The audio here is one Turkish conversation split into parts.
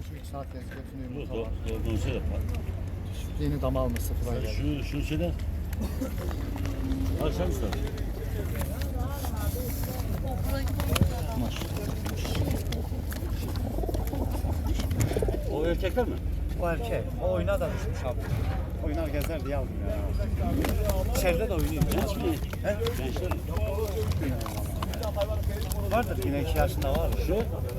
2-3 saat gezip götürüyor Dur, yumurta var. doğru söyle. Yeni dam almış sıfıra geldi. Şunu söyle. Akşam istedim. O erkekler mi? O erkek. O oyuna da düşmüş abi. Oynar gezer diye aldım ya. İçeride de oynuyor. Genç mi? He? Gençler mi? Vardır yine 2 yaşında var. Şu?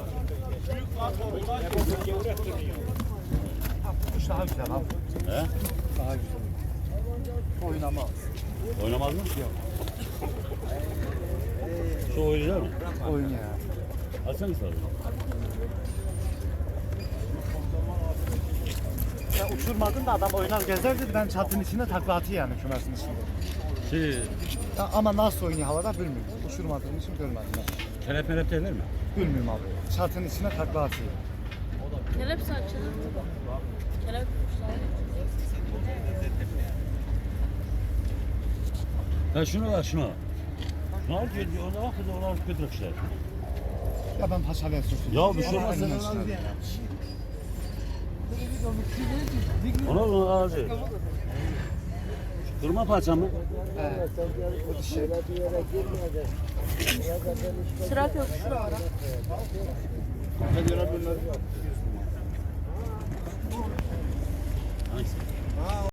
Kuş daha güzel abi. He? Daha güzel. Oynamaz. Oynamaz mı? Yok. Şu oyuncular mı? Oynuyor. Açsana istedim. Ya uçurmadın da adam oynar gezer dedi. Ben çatının içinde takla atıyor yani kümesin içinde. Şey, Ya ama nasıl oynuyor havada bilmiyorum. Uçurmadığım için görmedim ben. kelep melep derler mi? Bilmiyorum abi. Çatının içine takla atıyor. Kelep saçını. Kelep Ha şunu al şunu. Şunu al diyor, ona bak kız ona götür işte. Ya ben paçalıya sürsün. Ya bir şey olmaz sen onu al. Onu ağacı. Kırma parça mı? Evet. O dişi. Sırak yok şu ara. Hangisi?